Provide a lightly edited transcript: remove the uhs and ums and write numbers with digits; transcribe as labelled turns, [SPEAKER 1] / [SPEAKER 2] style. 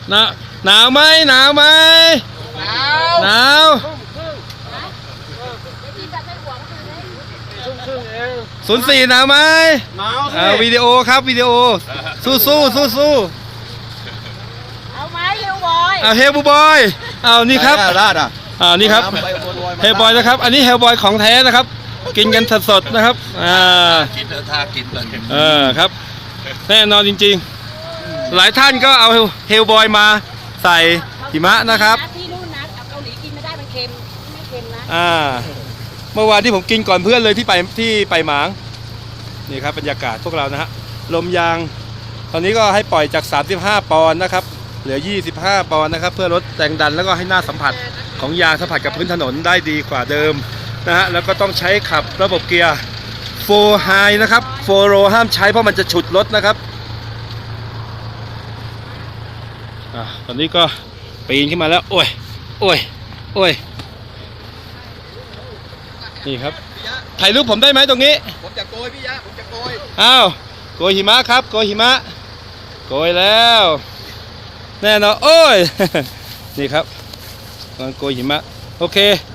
[SPEAKER 1] หนาวไหมหนาวไหมหนาว04หนาวไหม
[SPEAKER 2] หนาวสิ
[SPEAKER 1] วิดีโอครับวิดีโอสู้
[SPEAKER 3] เอาไหมเฮลบอย
[SPEAKER 1] เฮลบอยนี่ครับ
[SPEAKER 2] ราดอ่ะ
[SPEAKER 1] นี่ครับเฮลบอยนะครับอันนี้เฮลบอยของแท้นะครับกินกันสดๆนะครับ
[SPEAKER 4] กินเถอะท่ากินเลย
[SPEAKER 1] ครับแน่นอนจริงๆหลายท่านก็เอาเฮลบอยมาใส่หิมะนะครับ
[SPEAKER 3] ที่นู่นนะเกาหลีกินไม่ได้มันเค็มไม่เค็มนะ
[SPEAKER 1] เมื่อวานที่ผมกินก่อนเพื่อนเลยที่ไปหมางนี่ครับบรรยากาศพวกเรานะฮะลมยางตอนนี้ก็ให้ปล่อยจาก35ปอนด์นะครับเหลือ25ปอนด์นะครับเพื่อลดแรงดันแล้วก็ให้หน้าสัมผัสของยางสัมผัสกับพื้นถนนได้ดีกว่าเดิมนะฮะแล้วก็ต้องใช้ขับระบบเกียร์4 High นะครับ4 Low ห้ามใช้เพราะมันจะฉุดรถนะครับตอนนี้ก็ปีนขึ้นมาแล้วโอ้ยนี่ครับถ่ายรูปผมได้ไหมตรงนี้
[SPEAKER 2] ผมจะโกยพี่ยะผมจะโกย
[SPEAKER 1] โกยหิมะครับโกยหิมะโกยแล้วแน่นอนโอ้ยนี่ครับโกยหิมะโอเค